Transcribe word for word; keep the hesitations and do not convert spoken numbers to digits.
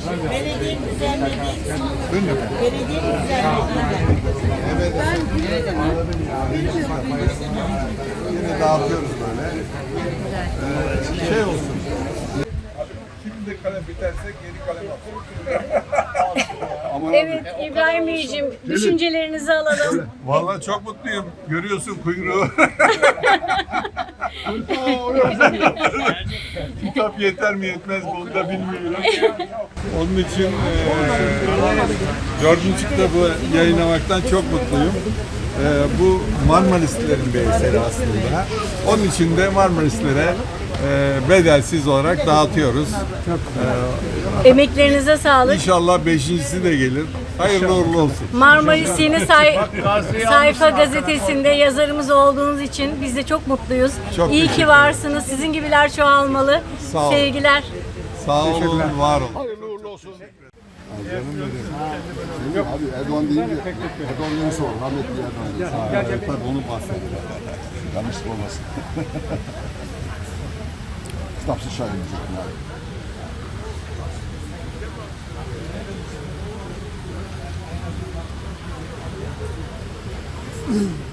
Belediye düzenlediği belediye düzenlediği Evet. Yine dağıtıyoruz böyle. Ee, şey olsun. Şimdi de kalem biterse geri kalem alalım. Evet İbrahim Beyciğim, düşüncelerinizi alalım. Vallahi çok mutluyum. Görüyorsun kuyruğu. Kitap yeter mi yetmez mi onu da bilmiyorum. Onun için eee dördüncü kitabı yayınlamaktan çok mutluyum. Eee, bu Marmaristlerin bir eseri aslında. Onun için de Marmaristlere eee, bedelsiz olarak dağıtıyoruz. Emeklerinize sağlık. İnşallah beşincisi de gelir. Hayırlı uğurlu olsun. Marmaris Yeni Say- Sayfa gazetesinde yazarımız olduğunuz için biz de çok mutluyuz. Çok İyi teşekkür ki varsınız. Sizin gibiler çoğalmalı. Sağ olun. Sevgiler. Sağ olun, var olun. Hayırlı uğurlu olsun. Canım benim. Yok abi Erdoğan deyince Erdoğan neyse olur. Rahmetli Erdoğan. Ha, evet, tabii onu bahsediyor. Yanlışlık olmasın. Kitapsız şair diyecektim abi. Mm-hmm.